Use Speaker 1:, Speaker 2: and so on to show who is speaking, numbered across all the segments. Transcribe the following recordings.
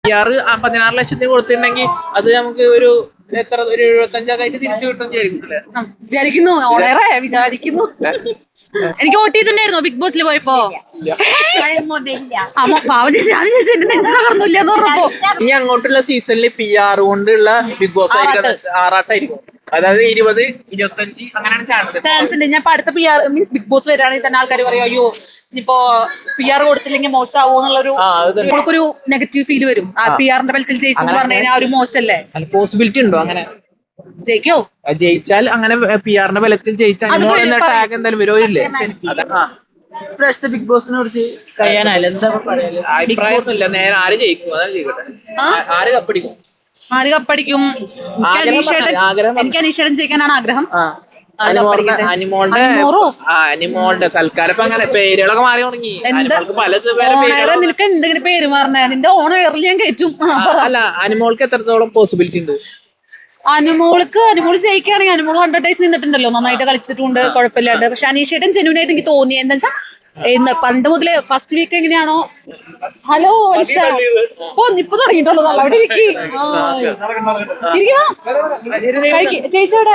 Speaker 1: PR 16 ലക്ഷത്തിന് കൊടുത്തിട്ടുണ്ടെങ്കിൽ അത് നമുക്ക് ഒരു എത്ര ഒരു 75 ആയിട്ട് തിരിച്ചു കിട്ടും
Speaker 2: വിചാരിക്കുന്നു വിചാരിക്കുന്നു. എനിക്ക് വോട്ട് ചെയ്തിട്ടുണ്ടായിരുന്നോ ബിഗ് ബോസിൽ പോയപ്പോ?
Speaker 1: ഇനി അങ്ങോട്ടുള്ള സീസണിൽ PR കൊണ്ടുള്ള ബിഗ് ബോസ് ആറാട്ടായിരിക്കും. അതായത് 20, 25 അങ്ങനെയാണ്
Speaker 2: ചാൻസ് ഉണ്ട്. ഞാൻ അടുത്ത PR മീൻസ് ബിഗ് ബോസ് വരാണെങ്കിൽ തന്നെ ആൾക്കാർ പറയും അയ്യോ ഇനിയിപ്പോ PR കൊടുത്തില്ലെങ്കിൽ മോശമാവോ എന്നുള്ളൊരു നമുക്കൊരു നെഗറ്റീവ് ഫീൽ വരും. ആ PR-ന്റെ ബലത്തിൽ ജയിച്ചു പറഞ്ഞു കഴിഞ്ഞാൽ ഒരു മോശമല്ലേ?
Speaker 1: പോസിബിലിറ്റി ഉണ്ടോ അങ്ങനെ
Speaker 2: ജയിക്കോ?
Speaker 1: ജയിച്ചാൽ അങ്ങനെ PR-ന്റെ ബലത്തിൽ ജയിച്ചാൽ ടാഗ് എന്തായാലും വരുമില്ലേ?
Speaker 3: ബിഗ് ബോസിനെ കുറിച്ച് കഴിയാനല്ല എന്താ പറയാ?
Speaker 1: അഭിപ്രായമൊന്നുമില്ല. നേരെ ആര് ജയിക്കും അതാണ് ചെയ്യട്ടെ. ആര് കപ്പടിക്കും?
Speaker 2: എനിക്ക് അനീഷേട്ടൻ ജയിക്കാനാണ് ആഗ്രഹം.
Speaker 1: അനിമോളുടെ സൽക്കാരം അങ്ങനെ പേരുകളൊക്കെ മാറി തുടങ്ങി.
Speaker 2: നിനക്ക് എന്തെങ്കിലും പേര് മാറണേ? നിന്റെ ഓണം വേറിൽ ഞാൻ കയറ്റും.
Speaker 1: അല്ല, അനിമോൾക്ക് എത്രത്തോളം പോസിബിലിറ്റി ഉണ്ട്?
Speaker 2: അനുമോള് ജയിക്കുകയാണെങ്കിൽ അനുമോള് 100 ഡേയ്സ് നിന്നിട്ടുണ്ടല്ലോ, നന്നായിട്ട് കളിച്ചിട്ടുണ്ട്, കുഴപ്പമില്ലാണ്ട്. പക്ഷെ അനീഷേട്ടൻ ജെന്യൂനായിട്ട് എനിക്ക് തോന്നി എന്താ വെച്ചാൽ പണ്ട് മുതല് ഫസ്റ്റ് വീക്ക് എങ്ങനെയാണോ ഹലോ ഇപ്പൊ തുടങ്ങിയിട്ടുള്ളൂ അവിടെ ചേച്ചിയോടെ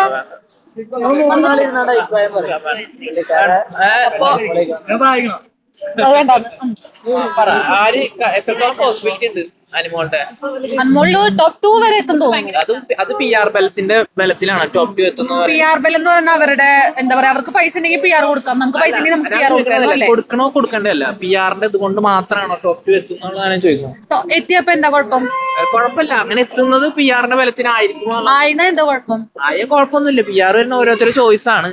Speaker 2: അനുമോളില് ടോപ്പ് 2 വരെ എത്തും തോന്നുന്നു.
Speaker 1: അത് PR ബലത്തിന്റെ ബലത്തിലാണ് ടോപ്പ് 2 എത്തുന്നത്.
Speaker 2: PR ബലം എന്ന് പറഞ്ഞാൽ അവരുടെ എന്താ പറയാ, അവർക്ക് പൈസ ഉണ്ടെങ്കിൽ PR കൊടുക്കാം, നമുക്ക് പൈസ ഉണ്ടെങ്കിൽ നമുക്ക് PR കൊടുക്കാം.
Speaker 1: കൊടുക്കണോ കൊടുക്കണ്ടല്ല, PR-ന്റെ ഇത് കൊണ്ട് മാത്രമാണോ ടോപ്പ് 2 എത്തുന്നതാണ് ഞാൻ ചോദിക്കുന്നത്.
Speaker 2: എത്തിയപ്പോ എന്താ കുഴപ്പം?
Speaker 1: കുഴപ്പമില്ല, അങ്ങനെ എത്തുന്നത് PR-ന്റെ ബലത്തിനായിരിക്കും.
Speaker 2: എന്താ കുഴപ്പം?
Speaker 1: കുഴപ്പമൊന്നുമില്ല. PR വരുന്ന ഓരോരുത്തരുടെ ചോയ്സ് ആണ്.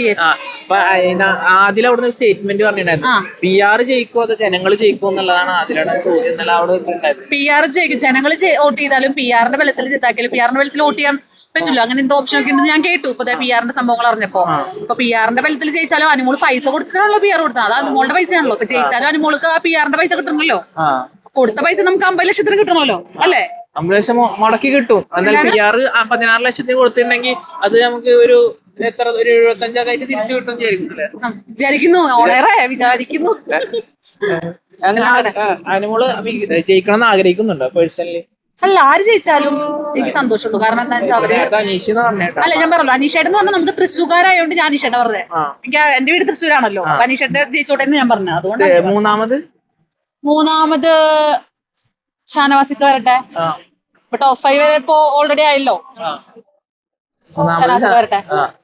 Speaker 1: ആദ്യം അവിടുന്ന് സ്റ്റേറ്റ്മെന്റ് പറഞ്ഞിട്ടുണ്ടായിരുന്നു PR ജയിക്കോ അതോ ജനങ്ങൾ ജയിക്കോ എന്നുള്ളതാണ് അതിലാണ് ചോദ്യം. എന്നല്ല അവിടെ
Speaker 2: PR ജയിക്കും, ജനങ്ങൾ വോട്ട് ചെയ്താലും PR-ന്റെ ബലത്തിൽ ജയിത്താക്കിയാലും PR-ന്റെ ബലത്തിൽ വോട്ട് ചെയ്യാൻ പറ്റില്ല. അങ്ങനെ എന്തോ ഓപ്ഷൻ ഒക്കെ ഉണ്ടെന്ന് ഞാൻ കേട്ടു ഇപ്പൊ PR-ന്റെ സംഭവങ്ങൾ അറിഞ്ഞപ്പോ. ഇപ്പൊ PR-ന്റെ ബലത്തിൽ ജയിച്ചാലും അനുമോള് പൈസ കൊടുത്തിട്ടാണല്ലോ PR കൊടുത്തത്. അത് അനുമോളുടെ പൈസയാണല്ലോ. ഇപ്പൊ ജയിച്ചാലും അനുമോൾക്ക് ആ PR-ന്റെ പൈസ കിട്ടണമല്ലോ. കൊടുത്ത പൈസ നമുക്ക് 50 ലക്ഷത്തിന് കിട്ടണമല്ലോ അല്ലേ?
Speaker 1: 50 ലക്ഷം മുടക്കി കിട്ടും. എന്നാൽ PR 16 ലക്ഷത്തിന് കൊടുത്തിട്ടുണ്ടെങ്കിൽ അത് നമുക്ക് ഒരു എത്ര ഒരു 75 ആയിട്ട് തിരിച്ചു കിട്ടും
Speaker 2: വിചാരിക്കുന്നു. വിചാരിക്കുന്നു.
Speaker 1: അനുമോള് ജയിക്കണം എന്ന് ആഗ്രഹിക്കുന്നുണ്ടോ പേഴ്സണലി?
Speaker 2: അല്ല, ആര് ജയിച്ചാലും എനിക്ക് സന്തോഷമുള്ളൂ. കാരണം എന്താ വെച്ചാൽ അവര് അല്ല ഞാൻ പറഞ്ഞല്ലോ അനീഷേട്ടൻ എന്ന് പറഞ്ഞാൽ നമുക്ക് തൃശ്ശൂർകാരായോണ്ട് ഞാൻ അനീഷേട്ടൻ പറഞ്ഞത്. എനിക്ക് എന്റെ വീട് തൃശ്ശൂരാണല്ലോ. അപ്പൊ അനീഷേട്ടൻ ജയിച്ചോട്ടെ എന്ന് ഞാൻ പറഞ്ഞു. അതുകൊണ്ട് മൂന്നാമത് ഷാനവാസിക്ക് വരട്ടെ. ഇപ്പൊ ടോപ്പ് 5 വരെ ഇപ്പൊ ഓൾറെഡി ആയല്ലോ. ഷാനവാസിക്ക് വരട്ടെ.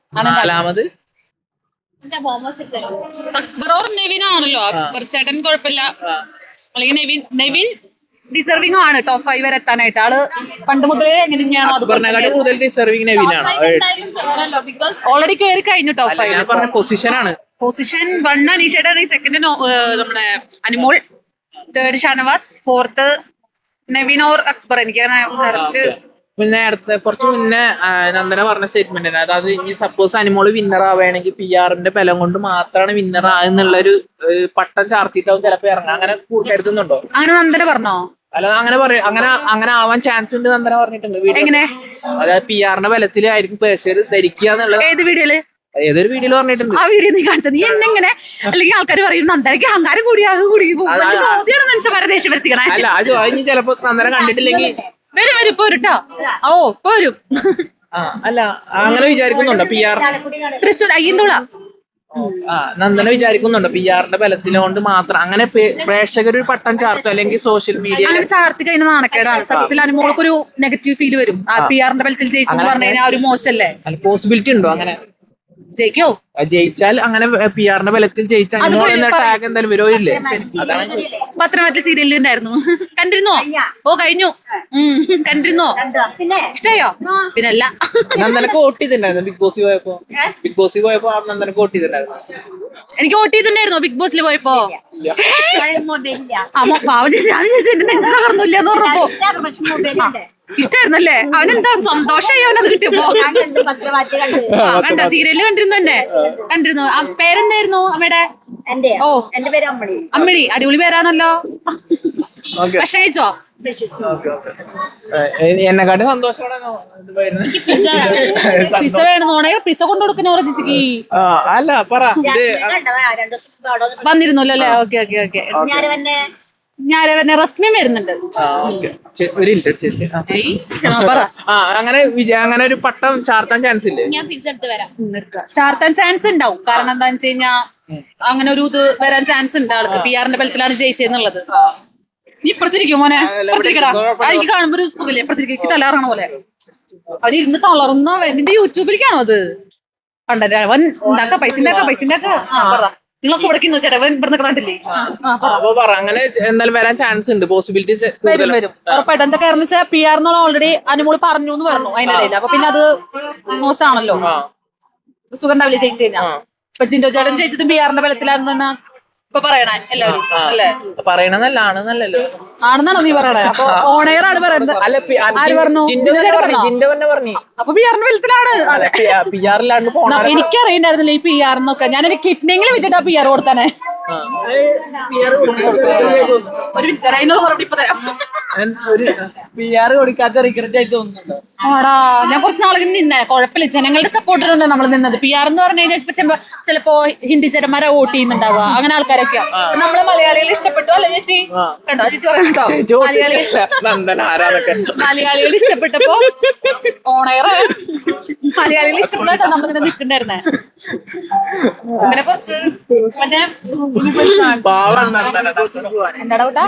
Speaker 2: നെവിനാണല്ലോ ചേട്ടൻ, കുഴപ്പമില്ല. അല്ലെങ്കിൽ നെവിൻ ഡിസർവിംഗ് ആണ് ടോപ്പ് 5 വരെ എത്താനായിട്ട്. ആള് പണ്ട് മുതലേ എങ്ങനെയാണോ അത് ഓൾറെഡി കയറി കഴിഞ്ഞു ടോപ്പ് 5. പൊസിഷൻ 1 അനീഷയുടെ, 2 നമ്മുടെ അനുമോൾ, 3 ഷാനവാസ്, 4 നെവിൻ ഓർ അക്ബർ. എനിക്ക് കറക്റ്റ്
Speaker 1: നേരത്തെ കുറച്ച് മുന്നേ നന്ദന പറഞ്ഞ സ്റ്റേറ്റ്മെന്റ് തന്നെ. അതായത് ഇനി സപ്പോസ് അനിമോള് വിന്നർ ആവുകയാണെങ്കിൽ PR-ന്റെ ബലം കൊണ്ട് മാത്രമാണ് വിന്നർ ആയെന്നുള്ളൊരു പട്ടം ചാർത്തിട്ടാവും ചിലപ്പോ ഇറങ്ങാം. അങ്ങനെ കരുതുന്നുണ്ടോ?
Speaker 2: അങ്ങനെ നന്ദന പറഞ്ഞോ?
Speaker 1: അല്ല, അങ്ങനെ ആവാൻ ചാൻസ് ഉണ്ട് നന്ദന പറഞ്ഞിട്ടുണ്ട്.
Speaker 2: എങ്ങനെ?
Speaker 1: അതായത് PR-ന്റെ ബലത്തിലായിരിക്കും പേഴ്സര് ധരിക്കുക എന്നുള്ളത്.
Speaker 2: ഏത് വീഡിയോയില്?
Speaker 1: ഏതൊരു വീഡിയോയിൽ പറഞ്ഞിട്ടുണ്ട്.
Speaker 2: ആ വീഡിയോ നീ കാണിച്ചത്? നീ എന്നെങ്ങനെ? അല്ലെങ്കിൽ ആൾക്കാർ പറയും നന്ദനക്ക് അഹങ്കാരം കൂടി ചോദ്യമാണ് മനുഷ്യന്മാരെ ദേഷ്യപ്പെടുത്തിക്കണേ.
Speaker 1: അല്ല, ആ ചോദ്യം ചിലപ്പോ നന്ദന കണ്ടിട്ടില്ലെങ്കിൽ
Speaker 2: വരും ഇപ്പൊ വരൂട്ടോ. ഇപ്പൊ വരും.
Speaker 1: അല്ല, അങ്ങനെ വിചാരിക്കുന്നുണ്ടോ PR
Speaker 2: തൃശ്ശൂർ അയ്യന്തോള?
Speaker 1: നന്ദന വിചാരിക്കുന്നുണ്ടോ PR-ന്റെ ബലത്തിലുകൊണ്ട് മാത്രം അങ്ങനെ പ്രേക്ഷകർ ഒരു പട്ടം ചാർത്തും അല്ലെങ്കിൽ സോഷ്യൽ മീഡിയ
Speaker 2: അങ്ങനെ ചാർത്തി കഴിഞ്ഞ നാണക്കേടാണ് സത്യത്തിൽ. അനുമോൾക്കൊരു നെഗറ്റീവ് ഫീൽ വരും. PR-ന്റെ ബലത്തിൽ ജയിച്ചു പറഞ്ഞു കഴിഞ്ഞാൽ ഒരു മോശമല്ലേ?
Speaker 1: പോസിബിലിറ്റി ഉണ്ടോ അങ്ങനെ?
Speaker 2: ജയിക്കോ?
Speaker 1: ജയിച്ചാൽ അങ്ങനെ PR-ന്റെ ബലത്തിൽ ജയിച്ചാൽ ടാഗ് എന്തായാലും വരുമില്ലേ?
Speaker 2: പത്രമാറ്റിൽ സീരിയലിൽ ഉണ്ടായിരുന്നു. കണ്ടിരുന്നോ? കഴിഞ്ഞു. കണ്ടിരുന്നോ? ഇഷ്ടായോ? പിന്നല്ല.
Speaker 1: നന്ദനക്ക് വോട്ട് ചെയ്തിട്ടുണ്ടായിരുന്നു ബിഗ് ബോസിൽ പോയപ്പോ നന്ദനക്ക് വോട്ട് ചെയ്തിട്ടുണ്ടായിരുന്നു.
Speaker 2: എനിക്ക് വോട്ട് ചെയ്തിട്ടുണ്ടായിരുന്നോ ബിഗ് ബോസിൽ പോയപ്പോ? പറഞ്ഞില്ല ഇഷ്ടായിരുന്നല്ലേ? അവനെന്താ സന്തോഷമായി അവനത് കിട്ടിയപ്പോ? കണ്ട സീരിയല് കണ്ടിരുന്നു തന്നെ. കണ്ടിരുന്നു. പേരെന്തായിരുന്നു അമ്മയുടെ? അമ്മിണി. അടിപൊളി പേരാണല്ലോ. ഭക്ഷണം കഴിച്ചോ?
Speaker 1: എന്നെക്കാട്ടും സന്തോഷത്തോടെ
Speaker 2: പിസ വേണമെന്നോണെ പിസ കൊണ്ടു കൊടുക്കുന്ന ചേച്ചിക്ക്.
Speaker 1: അല്ല പറ,
Speaker 2: വന്നിരുന്നല്ലോ അല്ലേ? ഓക്കെ. ഞാൻ റസ്മിയും വരുന്നുണ്ട്.
Speaker 1: ഒരു മിനിറ്റ് ചേച്ചി.
Speaker 2: ഏയ്, പറ.
Speaker 1: അങ്ങനെ ഒരു പട്ടം ചാർത്താൻ ചാൻസ് ഇല്ലേ?
Speaker 4: ഞാൻ പിസ്സ എടുത്ത് വരാം.
Speaker 2: ചാർത്താൻ ചാൻസ് ഉണ്ടാവും. കാരണം എന്താന്ന് വെച്ച് കഴിഞ്ഞാ അങ്ങനെ ഒരു ഇത് വരാൻ ചാൻസ് ഉണ്ട് ആൾക്ക്. PR ന്റെ ബലത്തിലാണ് ജയിച്ചെന്നുള്ളത്. നീ ഇപ്പഴത്തിരിക്കും മോനെ, ഇപ്പഴത്തിരിക്കടാ. എനിക്ക് കാണുമ്പോ ഒരു സുഖല്ലേ, ഇപ്പഴത്തിരിക്കും തലകറങ്ങണ പോലെ. അവൻ ഇരുന്ന് തളർന്ന നിന്റെ യൂട്യൂബിലേക്കാണോ അത് കണ്ടത്? അവൻ ഉണ്ടാക്ക പൈസ ഉണ്ടാക്ക. പറ, നിങ്ങളൊക്കെ ഇവിടെ ചേട്ടാ അവൻ ഇവിടെ കണ്ടില്ലേ?
Speaker 1: അങ്ങനെ എന്തായാലും വരാൻ ചാൻസ് ഉണ്ട്, പോസിബിലിറ്റീസ്
Speaker 2: വരും. ഉറപ്പായിട്ട് എന്താ കാരണം വെച്ചാൽ PR എന്നുള്ള ഓൾറെഡി അനുമോള് പറഞ്ഞു എന്ന് പറഞ്ഞു അതിനിടയിൽ. അപ്പൊ പിന്നെ അത് മോശമാണല്ലോ, സുഖം ഉണ്ടാവില്ല ജയിച്ചു കഴിഞ്ഞാ. ഇപ്പൊ ജിൻഡോ ചേട്ടൻ ജയിച്ചതും PR ന്റെ ബലത്തിലാണെന്ന് ഇപ്പൊ പറയണേ എല്ലാവരും അല്ലേ?
Speaker 1: പറയണല്ലോ
Speaker 2: ആണെന്നാണോ നീ പറയണേ? അപ്പൊ ഓണയർ ആണ് പറയുന്നത്. ആര് പറഞ്ഞു?
Speaker 1: ജിൻഡോ തന്നെ പറഞ്ഞു.
Speaker 2: അപ്പൊ PR ന്റെ ബലത്തിലാണ്. എനിക്കറിയണ്ടായിരുന്നില്ല ഈ PR എന്നൊക്കെ. ഞാനൊരു കിഡ്നിങ്ങിൽ വെച്ചിട്ടാ PR കൊടുത്താനെ. ഒരു അതിനോട് മറുപടി ഇപ്പൊ തരാം.
Speaker 3: PR കൊടുക്കാത്ത റിഗ്രറ്റ് ആയിട്ട് തോന്നുന്നുണ്ടോ?
Speaker 2: ആടാ, ഞാൻ കുറച്ച് നാളെ നിന്നെ കുഴപ്പമില്ല. ജനങ്ങളുടെ സപ്പോർട്ടിലാണ് നമ്മൾ നിന്നത്. PR എന്ന് പറഞ്ഞു കഴിഞ്ഞാൽ ഇപ്പൊ ചിലപ്പോ ഹിന്ദി ചേട്ടന്മാരെ വോട്ട് ചെയ്യുന്നുണ്ടാവുക, അങ്ങനെ ആൾക്കാരൊക്കെയാ. നമ്മള് മലയാളികൾ ഇഷ്ടപ്പെട്ടു അല്ലെ ചേച്ചി? കണ്ടോ ചേച്ചി പറയണ്ടോ? മലയാളികൾ ഇഷ്ടപ്പെട്ടപ്പോ ഓണയറ് മലയാളികൾ ഇഷ്ടപ്പെട്ടോ നമ്മളിങ്ങനെ നിൽക്കണ്ടായിരുന്നേ. അങ്ങനെ കുറച്ച് മറ്റേ എന്താടാ കൂട്ടാ?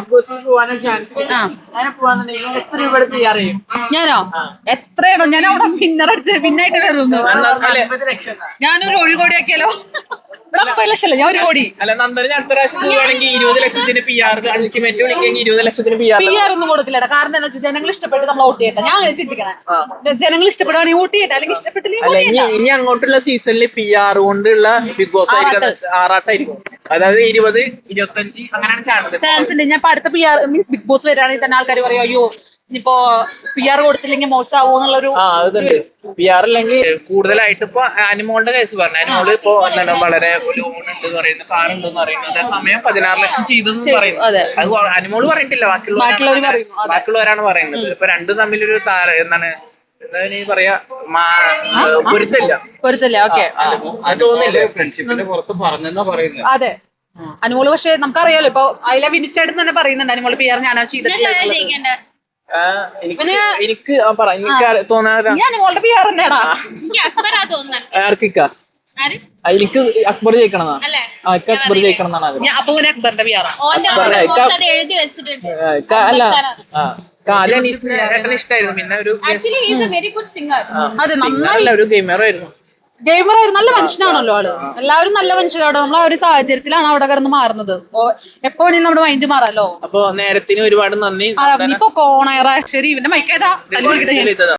Speaker 2: ഞാനോ എത്രയാണോ? ഞാൻ അവിടെ വിന്നറടിച്ച് പിന്നായിട്ട് വരുന്നു. ഞാനൊരു 1 കോടി ആക്കിയാലോ? ഇവിടെ 50 ലക്ഷമല്ലേ, ഞാൻ 1 കോടി.
Speaker 1: അല്ല നന്ദന അടുത്ത പ്രാവശ്യം പോവുകയാണെങ്കിൽ 20 ലക്ഷത്തിന് PR അൾട്ടിമേറ്റ് വിളിക്കെങ്കിൽ 20 ലക്ഷത്തിന്
Speaker 2: PR ഒന്നും കൊടുക്കില്ലടാ. കാരണം എന്താ വെച്ചാൽ ജനങ്ങൾ ഇഷ്ടപ്പെട്ട് നമ്മൾ വോട്ട് ചെയ്യട്ടെ. ഞാൻ അങ്ങനെ ചിന്തിക്കണേ. ജനങ്ങൾ ഇഷ്ടപ്പെടുവാണെങ്കിൽ വോട്ട് ചെയ്യട്ടെ, അല്ലെങ്കിൽ ഇഷ്ടപ്പെട്ടില്ലെങ്കിൽ
Speaker 1: ഇനി അങ്ങോട്ടുള്ള സീസണിൽ PR കൊണ്ടുള്ള ബിഗ് ബോസ് ആറാട്ടായിരിക്കും. അതായത് 20, 25 അങ്ങനെയാണ്
Speaker 2: ചാൻസ് ഉണ്ട്. ഞാൻ അടുത്ത PR മീൻസ് ബിഗ് ബോസ് വരാണെങ്കിൽ തന്നെ ആൾക്കാർ പറയും അയ്യോ ഇനിയിപ്പോ PR കൊടുത്തില്ലെങ്കിൽ മോശമാവോ എന്നുള്ളൊരു
Speaker 1: PR അല്ലെങ്കിൽ കൂടുതലായിട്ട് ഇപ്പൊ അനിമോളുടെ കേസ് പറഞ്ഞു. അനിമോള് ഇപ്പൊ എന്താണ് വളരെ ലോൺ ഉണ്ടെന്ന് പറയുന്നു, കാർ ഉണ്ടെന്ന് പറയുന്നു. അതേസമയം 16 ലക്ഷം ചെയ്തെന്ന് പറയുന്നു. അത് അനിമോള് പറഞ്ഞിട്ടില്ല, ബാക്കിയുള്ളവരാണ് പറയുന്നത്. ഇപ്പൊ രണ്ടും തമ്മിലൊരു എന്താണ് പറയാ
Speaker 2: പൊരുത്തല്ല. ഓക്കെ,
Speaker 1: അത് തോന്നില്ലേ?
Speaker 3: ഫ്രണ്ട്ഷിപ്പിന്റെ പുറത്ത് പറഞ്ഞെന്നാ പറയുന്നത്.
Speaker 2: അതെ അനുമോള്. പക്ഷെ നമുക്കറിയാലോ ഇപ്പൊ അതിലെ വിനിച്ചേട്ടൻ തന്നെ പറയുന്നുണ്ട് അനുമോള് PR ഞാനാ ചെയ്തിട്ടില്ല.
Speaker 1: എനിക്ക് തോന്നാ
Speaker 2: അനുമോളുടെ PR തന്നെയാടാ.
Speaker 1: എനിക്ക് അക്ബർ ജയിക്കണം അക്ബർ ജയിക്കണം എന്നാണ് ആഗ്രഹം.
Speaker 2: അപ്പൊ അക്ബറിന്റെ PR
Speaker 4: എഴുതി വെച്ചിട്ടുണ്ട്.
Speaker 1: അല്ല ആദ്യം ഏട്ടന് ഇഷ്ടമായിരുന്നു, പിന്നെ ഒരു
Speaker 2: അതെ നന്നായി
Speaker 1: ഒരു ഗെയിമറായിരുന്നു.
Speaker 2: ഗെയിമറായിരുന്നു. നല്ല മനുഷ്യനാണല്ലോ ആള്. എല്ലാവരും നല്ല മനുഷ്യരാണ്. നമ്മൾ ആ ഒരു സാഹചര്യത്തിലാണ് അവിടെ കിടന്ന് മാറുന്നത്. എപ്പോ വേണമെങ്കിലും നമ്മുടെ മൈൻഡ് മാറാലോ.
Speaker 1: അപ്പൊ നേരത്തിന് ഒരുപാട് നന്ദി.
Speaker 2: ഇപ്പൊ കോണയറ ശരി. ഇവന്റെ മൈക്കേതാ